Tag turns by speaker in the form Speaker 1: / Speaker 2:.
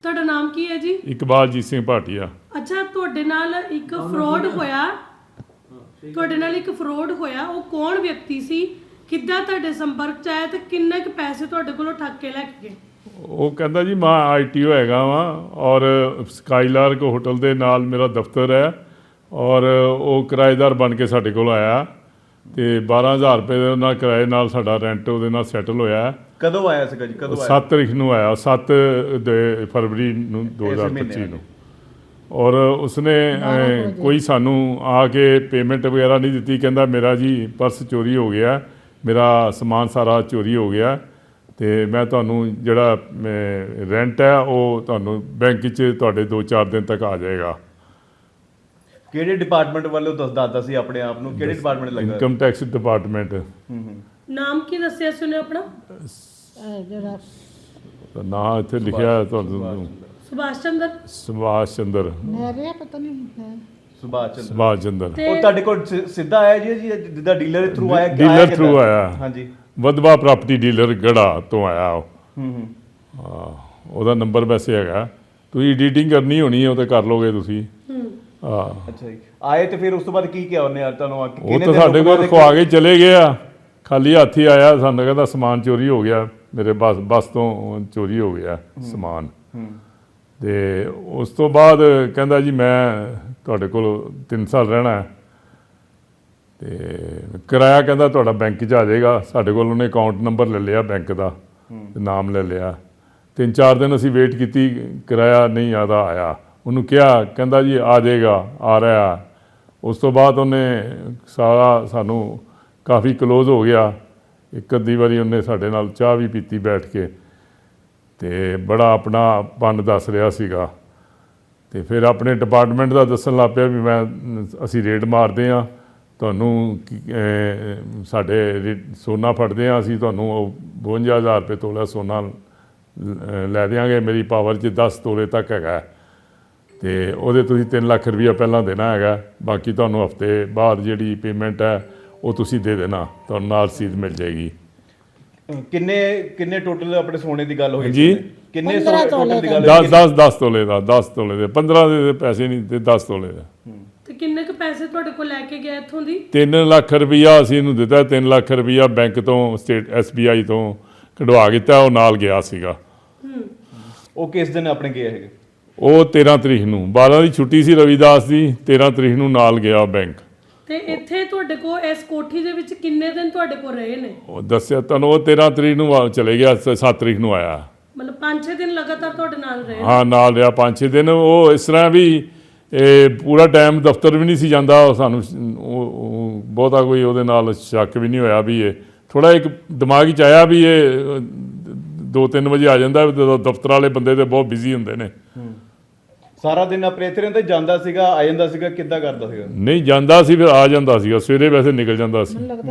Speaker 1: ਤੁਹਾਡਾ ਨਾਮ ਕੀ ਹੈ ਜੀ?
Speaker 2: ਇਕਬਾਲਜੀਤ ਸਿੰਘ ਭਾਟੀਆ।
Speaker 1: ਅੱਛਾ, ਤੁਹਾਡੇ ਨਾਲ ਇੱਕ ਫਰੋਡ ਹੋਇਆ, ਉਹ ਕੌਣ ਵਿਅਕਤੀ ਸੀ, ਕਿੱਦਾਂ ਤੁਹਾਡੇ ਸੰਪਰਕ ਚ ਆਇਆ ਤੇ ਕਿੰਨੇ ਕੁ ਪੈਸੇ ਤੁਹਾਡੇ ਕੋਲੋਂ ਠੱਗ ਕੇ ਲੈ ਕੇ ਗਏ?
Speaker 2: ਉਹ ਕਹਿੰਦਾ ਜੀ ਮੈਂ ITO ਹੈਗਾ ਵਾਂ ਔਰ ਸਕਾਈਲਾਰਕ ਹੋਟਲ ਦੇ ਨਾਲ ਮੇਰਾ ਦਫ਼ਤਰ ਹੈ ਔਰ ਉਹ ਕਿਰਾਏਦਾਰ ਬਣ ਕੇ ਸਾਡੇ ਕੋਲ ਆਇਆ ਤੇ 12,000 ਰੁਪਏ ਦੇ ਨਾਲ ਕਿਰਾਏ ਨਾਲ ਸਾਡਾ ਰੈਂਟ ਉਹਦੇ ਨਾਲ ਸੈਟਲ ਹੋਇਆ।
Speaker 3: ਕਦੋਂ ਆਇਆ ਸੀਗਾ ਜੀ? ਕਦੋਂ ਆਇਆ?
Speaker 2: 7 ਤਰੀਕ ਨੂੰ ਆਇਆ, 7 ਫਰਵਰੀ ਨੂੰ 2025 ਨੂੰ। ਔਰ ਉਸਨੇ ਕੋਈ ਸਾਨੂੰ ਆ ਕੇ ਪੇਮੈਂਟ ਵਗੈਰਾ ਨਹੀਂ ਦਿੱਤੀ। ਕਹਿੰਦਾ ਮੇਰਾ ਜੀ ਪਰਸ ਚੋਰੀ ਹੋ ਗਿਆ, ਮੇਰਾ ਸਮਾਨ ਸਾਰਾ ਚੋਰੀ ਹੋ ਗਿਆ ਤੇ ਮੈਂ ਤੁਹਾਨੂੰ ਜਿਹੜਾ ਰੈਂਟ ਹੈ ਉਹ ਤੁਹਾਨੂੰ ਬੈਂਕ 'ਚ ਤੁਹਾਡੇ 2-4 ਦਿਨ ਤੱਕ ਆ ਜਾਏਗਾ।
Speaker 3: ਕਿਹੜੇ ਡਿਪਾਰਟਮੈਂਟ ਵੱਲੋਂ ਦੱਸਦਾ ਸੀ ਆਪਣੇ ਆਪ ਨੂੰ? ਕਿਹੜੇ ਡਿਪਾਰਟਮੈਂਟ ਲੱਗਾ?
Speaker 2: Income tax department.
Speaker 1: ਨਾਮ ਕੀ ਦੱਸਿਆ ਸੀ ਉਹਨੇ ਆਪਣਾ?
Speaker 2: ਨਾਂ ਇੱਥੇ ਲਿਖਿਆ ਹੈ ਤੁਹਾਨੂੰ,
Speaker 1: ਸੁਭਾਸ਼ ਚੰਦਰ।
Speaker 2: ਸੁਭਾਸ਼ ਚੰਦਰ।
Speaker 1: ਪਤਾ ਨਹੀਂ ਹੈ
Speaker 2: ਸੁਭਾਸ਼ ਚੰਦਰ।
Speaker 3: ਉਹ ਤੁਹਾਡੇ ਕੋਲ ਸਿੱਧਾ ਆਇਆ ਜੀ ਜਿੱਦਾਂ ਡੀਲਰ ਦੇ ਥਰੂ ਆਇਆ?
Speaker 2: ਡੀਲਰ ਥਰੂ ਆਇਆ।
Speaker 3: ਹਾਂਜੀ,
Speaker 2: ਵਧਵਾ ਪ੍ਰਾਪਰਟੀ ਡੀਲਰ ਗੜਾ ਤੋਂ ਆਇਆ ਉਹ। ਉਹਦਾ ਨੰਬਰ ਵੈਸੇ ਹੈਗਾ, ਤੁਸੀਂ ਐਡੀਟਿੰਗ ਕਰਨੀ ਹੋਣੀ ਹੈ ਉਹ ਤੇ ਕਰ ਲੋਗੇ ਤੁਸੀਂ।
Speaker 3: ਅੱਛਾ ਜੀ। ਆਏ ਤੇ ਫਿਰ ਉਸ ਤੋਂ ਬਾਅਦ ਕੀ ਕਿਹਾ ਉਹਨੇ ਯਾਰ ਤੁਹਾਨੂੰ?
Speaker 2: ਉਹ ਤਾਂ ਸਾਡੇ ਕੋਲ ਖਵਾ ਕੇ ਚਲੇ ਗਏ ਆ, ਖਾਲੀ ਹੱਥ ਹੀ ਆਇਆ। ਸਾਨੂੰ ਕਹਿੰਦਾ ਸਮਾਨ ਚੋਰੀ ਹੋ ਗਿਆ, ਮੇਰੇ ਬੱਸ ਤੋਂ ਚੋਰੀ ਹੋ ਗਿਆ ਸਮਾਨ। ਤੇ ਉਸ ਤੋਂ ਬਾਅਦ ਕਹਿੰਦਾ ਜੀ ਮੈਂ ਤੁਹਾਡੇ ਕੋਲ 3 ਸਾਲ ਰਹਿਣਾ ਤੇ ਕਿਰਾਇਆ ਕਹਿੰਦਾ ਤੁਹਾਡਾ ਬੈਂਕ 'ਚ ਆ ਜਾਏਗਾ। ਸਾਡੇ ਕੋਲ ਉਹਨੇ ਅਕਾਊਂਟ ਨੰਬਰ ਲੈ ਲਿਆ ਬੈਂਕ ਦਾ, ਨਾਮ ਲੈ ਲਿਆ। 3-4 ਦਿਨ ਅਸੀਂ ਵੇਟ ਕੀਤੀ, ਕਿਰਾਇਆ ਨਹੀਂ ਆਦਾ ਆਇਆ। ਉਹਨੂੰ ਕਿਹਾ, ਕਹਿੰਦਾ ਜੀ ਆ ਜਾਏਗਾ, ਆ ਰਿਹਾ। ਉਸ ਤੋਂ ਬਾਅਦ ਉਹਨੇ ਸਾਰਾ ਸਾਨੂੰ ਕਾਫੀ ਕਲੋਜ਼ ਹੋ ਗਿਆ। ਇੱਕ ਅੱਧੀ ਵਾਰੀ ਉਹਨੇ ਸਾਡੇ ਨਾਲ ਚਾਹ ਵੀ ਪੀਤੀ ਬੈਠ ਕੇ ਤੇ ਬੜਾ ਆਪਣਾ ਪਨ ਦੱਸ ਰਿਹਾ ਸੀਗਾ। ਤੇ ਫਿਰ ਆਪਣੇ ਡਿਪਾਰਟਮੈਂਟ ਦਾ ਦੱਸਣ ਲੱਗ ਪਿਆ ਵੀ ਅਸੀਂ ਰੇਡ ਮਾਰਦੇ ਹਾਂ, ਤੁਹਾਨੂੰ ਸਾਡੇ ਸੋਨਾ ਫੜਦੇ ਹਾਂ, ਅਸੀਂ ਤੁਹਾਨੂੰ 52,000 ਰੁਪਏ ਤੋਲਾ ਸੋਨਾ ਲੈ ਦਿਆਂਗੇ, ਮੇਰੀ ਪਾਵਰ 'ਚ 10 ਤੋਲੇ ਤੱਕ ਹੈਗਾ ਤੇ ਉਹਦੇ ਤੁਸੀਂ 3 ਲੱਖ ਰੁਪਈਆ ਪਹਿਲਾਂ ਦੇਣਾ ਹੈਗਾ, ਬਾਕੀ ਤੁਹਾਨੂੰ ਹਫ਼ਤੇ ਬਾਅਦ ਜਿਹੜੀ ਪੇਮੈਂਟ ਹੈ ਉਹ ਤੁਸੀਂ ਦੇ ਦੇਣਾ, ਤੁਹਾਨੂੰ ਨਾਲ ਰਸੀਦ ਮਿਲ ਜਾਏਗੀ।
Speaker 3: ਕਿੰਨੇ ਟੋਟਲ ਆਪਣੇ ਸੋਨੇ ਦੀ ਗੱਲ ਹੋਈ
Speaker 2: ਜੀ?
Speaker 3: ਕਿੰਨੇ ਟੋਟਲ ਦੀ ਗੱਲ?
Speaker 2: 10 ਤੋਲੇ ਦਾ, 10 ਤੋਲੇ ਦੇ 15 ਦੇ ਪੈਸੇ ਨਹੀਂ ਤੇ 10 ਤੋਲੇ ਦਾ।
Speaker 1: ਤੇ ਕਿੰਨੇ ਕੁ ਪੈਸੇ ਤੁਹਾਡੇ ਕੋਲ ਲੈ ਕੇ ਗਿਆ ਇੱਥੋਂ ਦੀ?
Speaker 2: 3 ਲੱਖ ਰੁਪਈਆ ਅਸੀਂ ਇਹਨੂੰ ਦਿੱਤਾ। 3 ਲੱਖ ਰੁਪਈਆ ਬੈਂਕ ਤੋਂ, ਸਟੇਟ SBI ਤੋਂ ਕਢਵਾ ਕੀਤਾ, ਉਹ ਨਾਲ ਗਿਆ ਸੀਗਾ।
Speaker 3: ਉਹ ਕਿਸ ਦਿਨ ਆਪਣੇ ਗਏ ਹੈਗੇ?
Speaker 2: ਉਹ 13 ਤਰੀਕ ਨੂੰ, 12 ਦੀ ਛੁੱਟੀ ਸੀ ਰਵਿਦਾਸ ਦੀ, 13 ਤਰੀਕ ਨੂੰ ਨਾਲ ਗਿਆ ਬੈਂਕ।
Speaker 1: ਤੇ ਇੱਥੇ ਤੁਹਾਡੇ ਕੋਲ ਇਸ ਕੋਠੀ ਦੇ ਵਿੱਚ ਕਿੰਨੇ ਦਿਨ ਤੁਹਾਡੇ ਕੋਲ ਰਹੇ ਨੇ? ਉਹ
Speaker 2: ਦੱਸਿਆ ਤੁਹਾਨੂੰ, ਉਹ 13 ਤਰੀਕ ਨੂੰ ਚਲੇ ਗਿਆ, 7 ਤਰੀਕ ਨੂੰ ਆਇਆ।
Speaker 1: ਮਤਲਬ 5-6 ਦਿਨ ਲਗਾਤਾਰ ਤੁਹਾਡੇ ਨਾਲ ਰਹੇ?
Speaker 2: ਹਾਂ, ਨਾਲ ਰਿਹਾ 5-6 ਦਿਨ। ਉਹ ਇਸ ਤਰ੍ਹਾਂ ਵੀ ਪੂਰਾ ਟਾਈਮ ਦਫ਼ਤਰ ਵੀ ਨਹੀਂ ਸੀ ਜਾਂਦਾ। ਸਾਨੂੰ ਬਹੁਤਾ ਕੋਈ ਉਹਦੇ ਨਾਲ ਸ਼ੱਕ ਵੀ ਨਹੀਂ ਹੋਇਆ ਵੀ ਇਹ ਥੋੜ੍ਹਾ ਇੱਕ ਦਿਮਾਗ 'ਚ ਆਇਆ ਵੀ ਇਹ 2-3 ਵਜੇ ਆ ਜਾਂਦਾ। ਦਫ਼ਤਰ ਵਾਲੇ ਬੰਦੇ ਤੇ ਬਹੁਤ ਬਿਜ਼ੀ ਹੁੰਦੇ ਨੇ।
Speaker 3: ਸਾਰਾ ਦਿਨ ਆਪਣੇ ਇੱਥੇ ਰਹਿੰਦਾ, ਜਾਂਦਾ ਸੀਗਾ, ਆ ਜਾਂਦਾ ਸੀਗਾ, ਕਿੱਦਾਂ ਕਰਦਾ ਸੀਗਾ?
Speaker 2: ਨਹੀਂ ਜਾਂਦਾ ਸੀ, ਫਿਰ ਆ ਜਾਂਦਾ ਸੀਗਾ। ਸਵੇਰੇ ਵੈਸੇ ਨਿਕਲ ਜਾਂਦਾ ਸੀ।